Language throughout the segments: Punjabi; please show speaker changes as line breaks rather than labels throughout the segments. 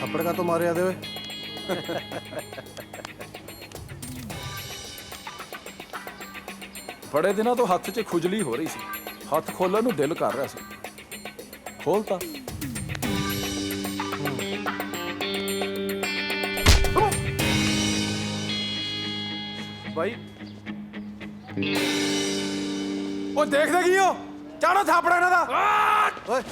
थप्पड़ का तो मारे आदे ओए।
बड़े दिनों तो हथ च खुजली हो रही सी, हथ खोलण नूं दिल कर रहा सी, खोलता।
भाई
ਉਹ ਦੇਖਦੇ ਕੀ ਹੋ? ਚਾੜੋ ਥਾਪੜਾ ਇਹਨਾਂ ਦਾ।
ओए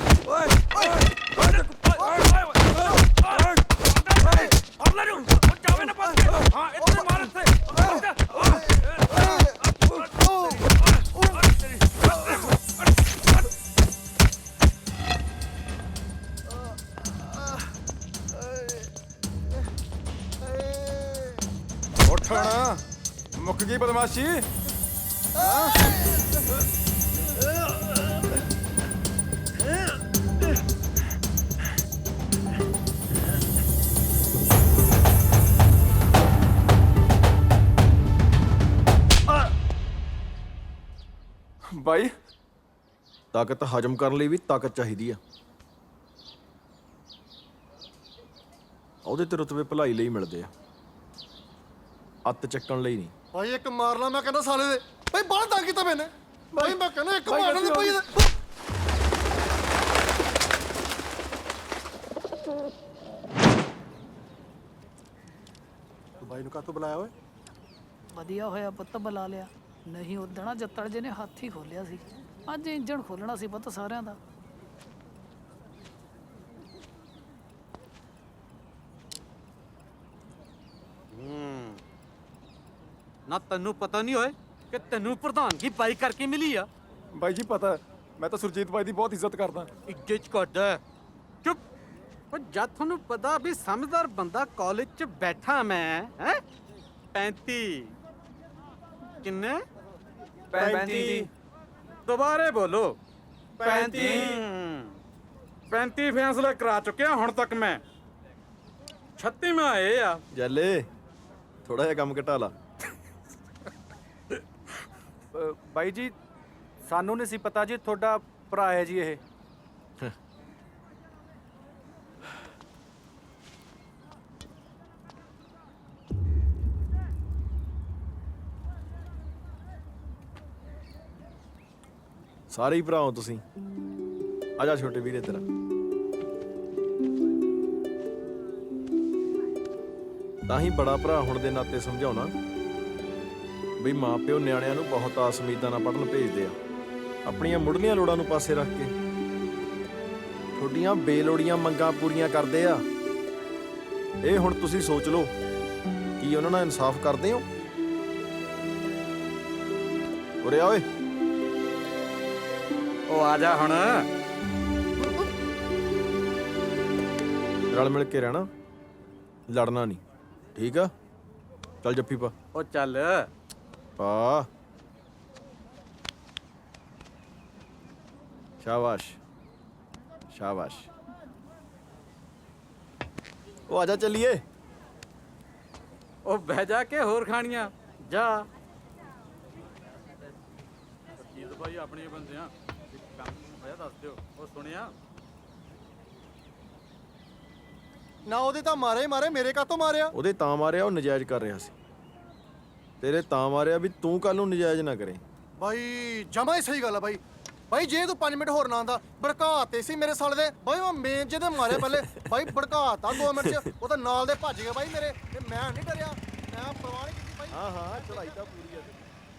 ਉੱਠਣਾ ਮੁੱਕ ਗਈ ਬਦਮਾਸ਼ੀ। ਬਾਈ
ਤਾਕਤ ਹਜਮ ਕਰਨ ਲਈ ਵੀ ਤਾਕਤ ਚਾਹੀਦੀ ਆ। ਉਹਦੇ ਤੇ ਰੁਤਬੇ ਭਲਾਈ ਲਈ ਮਿਲਦੇ ਆ, ਅੱਤ ਚੱਕਣ ਲਈ ਨਹੀਂ।
ਭਾਈ ਇੱਕ ਮਾਰ ਲਾ ਮੈਂ ਕਹਿੰਦਾ ਸਾਲੇ ਦੇ। ਭਾਈ ਬਾਹਰ ਤੰਗ ਕੀਤਾ ਮੈਨੇ। ਭਾਈ ਮੈਂ ਕਹਿੰਦਾ ਇੱਕ ਮਾਰਨ ਦੇ ਭਾਈ
ਤੂੰ ਬਾਈ ਨੂੰ ਕਾਹਤੋਂ ਬੁਲਾਇਆ ਓਏ?
ਵਧੀਆ ਹੋਇਆ ਪੁੱਤ ਬੁਲਾ ਲਿਆ, ਨਹੀਂ ਉਦਣਾ ਜੱਤੜ ਜੇ ਨੇ ਹੱਥ ਹੀ ਖੋਲਿਆ ਸੀ। ਅੱਜ ਇੰਜਣ ਖੋਲਣਾ ਸੀ ਪੁੱਤ ਸਾਰਿਆਂ ਦਾ।
ਨਾ ਤੈਨੂੰ ਪਤਾ ਨਹੀਂ ਹੋਏ ਕਿ ਤੈਨੂੰ ਪ੍ਰਧਾਨਗੀ ਬਾਈ ਕਰਕੇ ਮਿਲੀ ਆ।
ਬਾਈ ਜੀ ਪਤਾ, ਮੈਂ ਤਾਂ ਸੁਰਜੀਤ ਬਾਈ ਦੀ ਬਹੁਤ ਇੱਜ਼ਤ ਕਰਦਾ।
ਇੱਜ਼ਤ ਕਰਦਾ ਚੁੱਪ। ਉਹ ਜਦ ਤੁਹਾਨੂੰ ਪਤਾ ਵੀ ਸਮਝਦਾਰ ਬੰਦਾ ਕਾਲਜ 'ਚ ਬੈਠਾ ਮੈਂ ਹੈ 35 ਕਿੰਨੇ
35
ਦੁਬਾਰੇ ਬੋਲੋ 35 ਫੈਸਲੇ ਕਰਾ ਚੁੱਕਿਆ ਹੁਣ ਤੱਕ ਮੈਂ 36ਵਾਂ ਇਹ ਆ।
ਜੱਲੇ ਥੋੜਾ ਜਿਹਾ ਕੰਮ ਘਟਾ ਲਾ।
ਬਾਈ ਜੀ ਸਾਨੂੰ ਨਹੀਂ ਸੀ ਪਤਾ ਜੀ ਤੁਹਾਡਾ ਭਰਾ ਹੈ ਜੀ ਇਹ।
ਸਾਰੇ ਹੀ ਭਰਾ ਹੋ ਤੁਸੀਂ। ਆ ਜਾ ਛੋਟੇ ਵੀਰੇ ਤੇਰਾ। ਤਾਂ ਹੀ ਬੜਾ ਭਰਾ ਹੋਣ ਦੇ ਨਾਤੇ ਸਮਝਾਉਣਾ ਬਈ ਮਾਂ ਪਿਓ ਨਿਆਣਿਆਂ ਨੂੰ ਬਹੁਤ ਆਸ ਉਮੀਦਾਂ ਨਾਲ ਪੜ੍ਹਨ ਭੇਜਦੇ ਆ, ਆਪਣੀਆਂ ਮੁੱਢਲੀਆਂ ਲੋੜਾਂ ਨੂੰ ਪਾਸੇ ਰੱਖ ਕੇ ਤੁਹਾਡੀਆਂ ਬੇਲੋੜੀਆਂ ਮੰਗਾਂ ਪੂਰੀਆਂ ਕਰਦੇ ਆ। ਇਹ ਹੁਣ ਤੁਸੀਂ ਸੋਚ ਲਓ, ਕੀ ਉਹਨਾਂ ਨਾਲ ਇਨਸਾਫ ਕਰਦੇ ਹੋ? ਉਰੇ ਆ ਓਏ।
ਉਹ ਆ ਜਾ ਹੁਣ।
ਰਲ ਮਿਲ ਕੇ ਰਹਿਣਾ, ਲੜਨਾ ਨਹੀਂ, ਠੀਕ ਆ? ਚੱਲ ਜੱਫੀ ਪਾ।
ਉਹ ਚੱਲ
ਪਾ। ਸ਼ਾਬਾਸ਼ ਸ਼ਾਬਾਸ਼। ਉਹ ਆ ਜਾ ਚੱਲੀਏ।
ਉਹ ਬਹਿ ਜਾ ਕੇ ਹੋਰ ਖਾਣੀਆਂ ਜਾ। ਜੀਤ ਭਾਈ ਆਪਣੇ ਬੰਦੇ ਆ, ਕੰਮ ਹੋਇਆ ਦੱਸ ਦਿਓ। ਉਹ ਸੁਣਿਆ
ਨਾ ਉਹਦੇ ਤਾਂ ਮਾਰੇ ਹੀ ਮਾਰੇ, ਮੇਰੇ ਕਾਹਤੋਂ ਮਾਰਿਆ?
ਉਹਦੇ ਤਾਂ ਮਾਰਿਆ ਉਹ ਨਜਾਇਜ਼ ਕਰ ਰਿਹਾ ਸੀ, ਤੇਰੇ ਤਾਂ ਮਾਰਿਆ ਵੀ ਤੂੰ ਕੱਲ ਨੂੰ ਨਜਾਇਜ਼ ਨਾ ਕਰੇ।
ਭਾਈ ਜਮਾ ਹੀ ਸਹੀ ਗੱਲ ਆ ਭਾਈ। ਭਾਈ ਜੇ ਤੂੰ 5 ਮਿੰਟ ਹੋਰ ਨਾ ਆਂਦਾ ਭੜਕਾਤੇ ਸੀ ਮੇਰੇ ਸਾਲੇ ਦੇ। ਭਾਈ ਮੈਂ ਮੇਨ ਜਿਹਦੇ ਮਾਰਿਆ ਪਹਿਲੇ ਭਾਈ ਭੜਕਾਤਾ 2 ਮਿੰਟ 'ਚ। ਉਹ ਤਾਂ ਨਾਲ ਦੇ ਭੱਜ ਗਏ ਭਾਈ ਮੇਰੇ, ਤੇ ਮੈਂ ਨਹੀਂ ਡਰਿਆ, ਮੈਂ ਪਰਵਾਹ ਨਹੀਂ ਕੀਤੀ ਭਾਈ।
ਹਾਂ ਹਾਂ ਚੜਾਈ ਤਾਂ ਪੂਰੀ ਆ।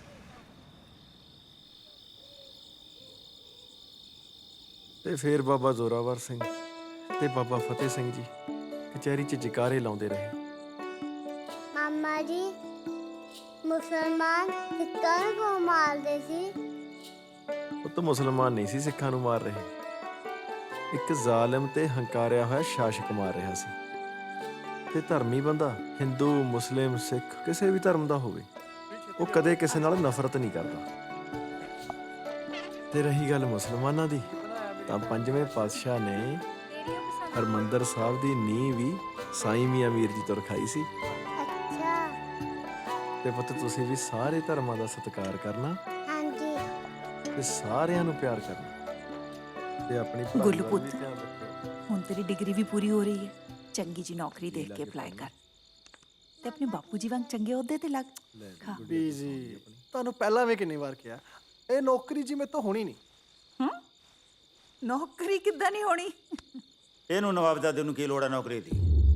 ਤੇ ਫੇਰ ਬਾਬਾ ਜ਼ੋਰਾਵਰ ਸਿੰਘ ਤੇ ਬਾਬਾ ਫਤਿਹ ਸਿੰਘ ਜੀ ਕਚਹਿਰੀ 'ਚ ਜਕਾਰੇ ਲਾਉਂਦੇ ਰਹੇ।
ਮਾਮਾ ਜੀ ਮੁਸਲਮਾਨ ਸਿੱਖਾਂ ਨੂੰ ਕਿਉਂ ਮਾਰਦੇ ਸੀ?
ਉਹ ਤਾਂ ਮੁਸਲਮਾਨ ਨਹੀਂ ਸੀ ਸਿੱਖਾਂ ਨੂੰ ਮਾਰ ਰਹੇ, ਇੱਕ ਜ਼ਾਲਿਮ ਤੇ ਹੰਕਾਰਿਆ ਹੋਇਆ ਸ਼ਾਸਕ ਮਾਰ ਰਿਹਾ ਸੀ। ਤੇ ਧਰਮੀ ਬੰਦਾ ਹਿੰਦੂ ਮੁਸਲਿਮ ਸਿੱਖ ਕਿਸੇ ਵੀ ਧਰਮ ਦਾ ਹੋਵੇ, ਉਹ ਕਦੇ ਕਿਸੇ ਨਾਲ ਨਫ਼ਰਤ ਨਹੀਂ ਕਰਦਾ। ਤੇ ਰਹੀ ਗੱਲ ਮੁਸਲਮਾਨਾਂ ਦੀ, ਤਾਂ 5ਵੇਂ ਪਾਤਸ਼ਾਹ ਨੇ ਹਰਮੰਦਰ ਸਾਹਿਬ ਦੀ ਨੀਂਹ ਵੀ ਸਾਈਂ ਮੀਆਂ ਮੀਰ ਜੀ ਤੋਂ ਰਖਾਈ ਸੀ।
ਅੱਛਾ
ਤੇ ਪੁੱਤ ਤੁਸੀਂ ਵੀ ਸਾਰੇ ਧਰਮਾਂ ਦਾ ਸਤਿਕਾਰ ਕਰਨਾ
ਹਾਂਜੀ।
ਤੇ ਸਾਰਿਆਂ ਨੂੰ ਪਿਆਰ ਕਰਨਾ ਤੇ ਆਪਣੀ ਪੜ੍ਹਾਈ
ਗੁੱਲੂ
ਵੱਲ
ਪੁੱਤ।
ਵੀ ਧਿਆਨ ਰੱਖਿਓ।
ਹੁਣ ਤੇਰੀ ਡਿਗਰੀ ਵੀ ਪੂਰੀ ਹੋ ਰਹੀ ਹੈ, ਚੰਗੀ ਜੀ ਨੌਕਰੀ ਦੇਖ ਕੇ ਅਪਲਾਈ ਕਰ ਤੇ ਆਪਣੇ ਬਾਪੂ ਜੀ ਵਾਂਗ ਚੰਗੇ ਅਹੁਦੇ ਤੇ ਲੱਗ। ਹਾਂ।
ਬੀਜੀ ਤੁਹਾਨੂੰ ਪਹਿਲਾਂ ਵੀ ਕਿੰਨੀ ਵਾਰ ਕਿਹਾ ਇਹ ਨੌਕਰੀ ਜੀ ਮੇਰੇ ਤੋਂ ਹੋਣੀ ਨਹੀਂ।
ਨੌਕਰੀ ਕਿੱਦਾਂ ਨਹੀਂ ਹੋਣੀ?
ਇਹਨੂੰ ਨਵਾਬਜ਼ਾਦੇ ਨੂੰ ਕੀ ਲੋੜ ਹੈ ਨੌਕਰੀ ਦੀ?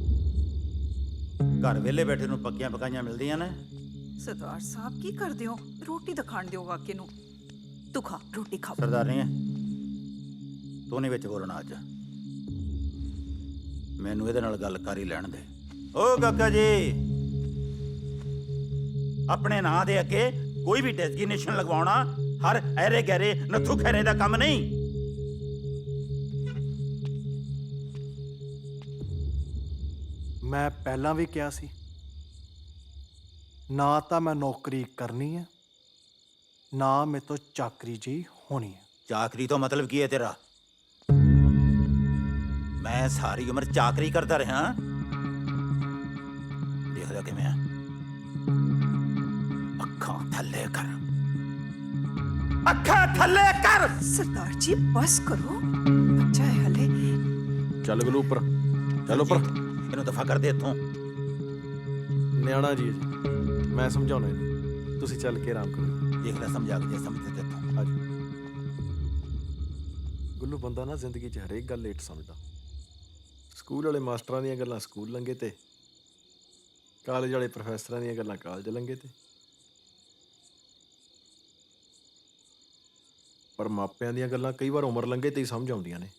ਘਰ ਵਿਹਲੇ ਬੈਠੇ ਨੂੰ ਪੱਕੀਆਂ ਪਕਾਈਆਂ ਮਿਲਦੀਆਂ ਨੇ।
ਸਰਦਾਰ ਸਾਹਿਬ ਕੀ ਕਰਦੇ ਹੋ? ਰੋਟੀ ਤਾਂ ਖਾਣ ਦਿਓ ਕਾਕੇ ਨੂੰ। ਤੂੰ ਖਾ ਰੋਟੀ ਖਾ।
ਸਰਦਾਰ ਨਹੀਂ ਹੈ ਤੂੰ ਨਹੀਂ ਵਿੱਚ ਬੋਲਣਾ ਅੱਜ। ਮੈਨੂੰ ਇਹਦੇ ਨਾਲ ਗੱਲ ਕਰ ਹੀ ਲੈਣ ਦੇ। ਓ ਕਾਕਾ ਜੀ, ਆਪਣੇ ਨਾਂ ਦੇ ਅੱਗੇ ਕੋਈ ਵੀ ਡੈਜ਼ਿਗਨੇਸ਼ਨ ਲਗਵਾਉਣਾ ਹਰ ਐਰੇ ਗਹਿਰੇ ਨੱਥੂ ਖੈਰੇ ਦਾ ਕੰਮ ਨਹੀਂ।
ਮੈਂ ਪਹਿਲਾਂ ਵੀ ਕਿਹਾ ਸੀ ਨਾ ਤਾਂ ਮੈਂ ਨੌਕਰੀ ਕਰਨੀ ਹੈ ਨਾ ਮੇਰੇ ਤੋਂ ਚਾਕਰੀ ਜੀ ਹੋਣੀ ਹੈ।
ਚਾਕਰੀ ਤੋਂ ਮਤਲਬ ਕੀ ਹੈ ਤੇਰਾ? ਮੈਂ ਸਾਰੀ ਉਮਰ ਚਾਕਰੀ ਕਰਦਾ ਰਿਹਾ। ਦੇਖਦਾ ਕਿਵੇਂ ਆ? ਅੱਖਾਂ ਥੱਲੇ ਕਰ, ਅੱਖਾਂ ਥੱਲੇ ਕਰ।
ਸਰਦਾਰ ਜੀ ਬਸ ਕਰੋ, ਬੱਚਾ ਹੈ ਹਲੇ।
ਚੱਲ ਗੁੱਲੂ ਉੱਪਰ, ਚੱਲ ਉੱਪਰ।
ਇਹਨੂੰ ਦਫਾ ਕਰ ਦੇ ਇੱਥੋਂ।
ਨਿਆਣਾ ਜੀ ਜੀ, ਮੈਂ ਸਮਝਾਉਣਾ ਇਹਨੂੰ, ਤੁਸੀਂ ਚੱਲ ਕੇ ਆਰਾਮ ਕਰੋ।
ਦੇਖ ਲੈ ਸਮਝਾ ਕੇ ਜੇ ਸਮਝਦੇ ਤੇ ਇੱਥੋਂ।
ਆਜੋ। ਗੁੱਲੂ ਬੰਦਾ ਨਾ ਜ਼ਿੰਦਗੀ 'ਚ ਹਰੇਕ ਗੱਲ ਲੇਟ ਸਮਝਦਾ। ਸਕੂਲ ਵਾਲੇ ਮਾਸਟਰਾਂ ਦੀਆਂ ਗੱਲਾਂ ਸਕੂਲ ਲੰਘੇ ਤੇ ਕਾਲਜ ਵਾਲੇ ਪ੍ਰੋਫੈਸਰਾਂ ਦੀਆਂ ਗੱਲਾਂ ਕਾਲਜ ਲੰਘੇ ਤੇ, ਪਰ ਮਾਪਿਆਂ ਦੀਆਂ ਗੱਲਾਂ ਕਈ ਵਾਰ ਉਮਰ ਲੰਘੇ ਤੇ ਹੀ ਸਮਝ ਆਉਂਦੀਆਂ ਨੇ।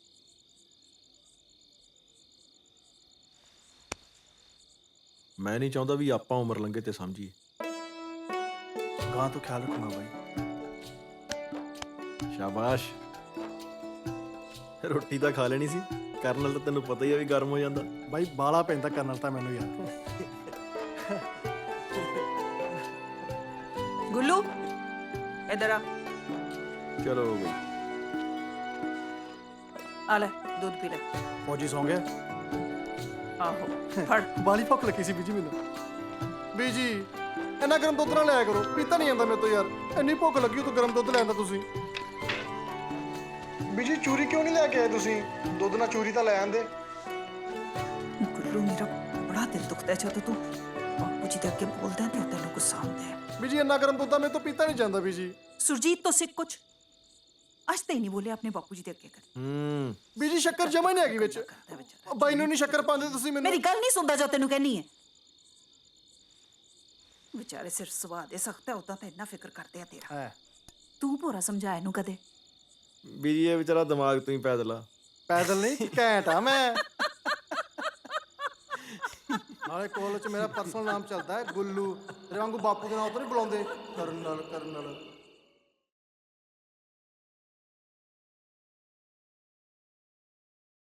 ਮੈਂ ਨਹੀਂ ਚਾਹੁੰਦਾ ਵੀ ਆਪਾਂ ਉਮਰ ਲੰਘੇ ਤੇ ਸਮਝੀਏ।
ਗਾਂ ਤੋਂ ਖਿਆਲ ਰੱਖਣਾ ਬਾਈ।
ਸ਼ਾਬਾਸ਼। ਰੋਟੀ ਤਾਂ ਖਾ ਲੈਣੀ ਸੀ, ਕਰਨਲ ਤਾਂ ਤੈਨੂੰ ਪਤਾ ਹੀ ਆ ਵੀ ਗਰਮ ਹੋ ਜਾਂਦਾ।
ਬਾਈ ਬਾਲਾ ਪੈਂਦਾ ਕਰਨਲ ਤਾਂ ਮੈਨੂੰ ਯਾਰ।
ਗੁੱਲੂ ਇਧਰ ਆ।
ਚਲੋ ਬਈ,
ਆ ਲੈ ਦੁੱਧ ਪੀ ਲੈ।
ਫੌਜੀ ਸੌਂ ਗਿਆ।
ਆਹੋ ਫੜ।
ਬਾਲੀ ਭੁੱਖ ਲੱਗੀ ਸੀ ਬੀਜੀ ਮੈਨੂੰ। ਬੀਜੀ ਇੰਨਾ ਗਰਮ ਦੁੱਧ ਨਾ ਲਿਆ ਕਰੋ, ਪੀਤਾ ਨਹੀਂ ਜਾਂਦਾ ਮੇਰੇ ਤੋਂ ਯਾਰ। ਇੰਨੀ ਭੁੱਖ ਲੱਗੀ ਤੂੰ ਗਰਮ ਦੁੱਧ ਲੈਂਦਾ ਤੁਸੀਂ। ਬੀਜੀ ਚੂਰੀ ਕਿਉਂ ਨਹੀਂ ਲੈ ਕੇ ਆਏ ਤੁਸੀਂ? ਦੁੱਧ ਨਾਲ ਚੂਰੀ ਤਾਂ ਲੈ ਆਂਦੇ।
ਗੁੱਲੂ ਮੇਰਾ ਬੜਾ ਦਿਲ ਦੁਖਦਾ ਜਦੋਂ ਤੂੰ ਬਾਪੂ ਜੀ ਦੇ ਅੱਗੇ ਬੋਲਦਾ ਤੇ ਤੈਨੂੰ ਗੁੱਸਾ ਆਉਂਦਾ ਹੈ।
ਬੀਜੀ ਇੰਨਾ ਗਰਮ ਦੁੱਧ ਤਾਂ ਮੇਰੇ ਤੋਂ ਪੀਤਾ ਨਹੀਂ ਜਾਂਦਾ ਬੀਜੀ।
ਸੁਰਜੀਤ ਤੋਂ ਸਿੱਖ ਕੁਛ। ਅੱਜ ਤੇ ਨਹੀਂ ਬੋਲੇ ਆਪਣੇ ਬਾਪੂ ਜੀ ਦੇ ਅੱਗੇ ਕਰ।
ਬੀਜੀ ਸ਼ੱਕਰ ਜਮਾ ਹੀ ਨਹੀਂ ਹੈਗੀ ਵਿੱਚ।
ਕਰਦਾ ਵਿਚਾਰਾ।
ਬਾਈ ਨੂੰ ਨਹੀਂ ਸ਼ੱਕਰ ਪਾਉਂਦੇ ਤੁਸੀਂ ਮੈਨੂੰ।
ਮੇਰੀ ਗੱਲ ਨਹੀਂ ਸੁਣਦਾ ਜੋ ਤੈਨੂੰ ਕਹਿਣੀ ਹੈ। ਵਿਚਾਰੇ ਸਿਰ ਸੁਭਾਅ ਦੇ ਸਖਤ ਹੈ, ਉਦਾਂ ਤਾਂ ਇੰਨਾ ਫਿਕਰ ਕਰਦੇ ਆ ਤੇਰਾ।
ਹੈ
ਤੂੰ ਭੋਰਾ ਸਮਝਾਇਆ ਇਹਨੂੰ ਕਦੇ?
ਬੀਜੀ ਇਹ ਵਿਚਾਰਾ ਦਿਮਾਗ ਤੋਂ ਹੀ ਪੈਦਲ ਆ।
ਪੈਦਲ ਨਹੀਂ ਘੈਂਟ ਆ ਮੈਂ। ਨਾਲੇ ਕਾਲਜ 'ਚ ਮੇਰਾ ਪਰਸਨਲ ਨਾਮ ਚੱਲਦਾ ਹੈ ਗੁੱਲੂ। ਤੇਰੇ ਵਾਂਗੂ ਬਾਪੂ ਦੇ ਨਾਂ ਤੋਂ ਨਹੀਂ ਬੁਲਾਉਂਦੇ। Colonel colonel.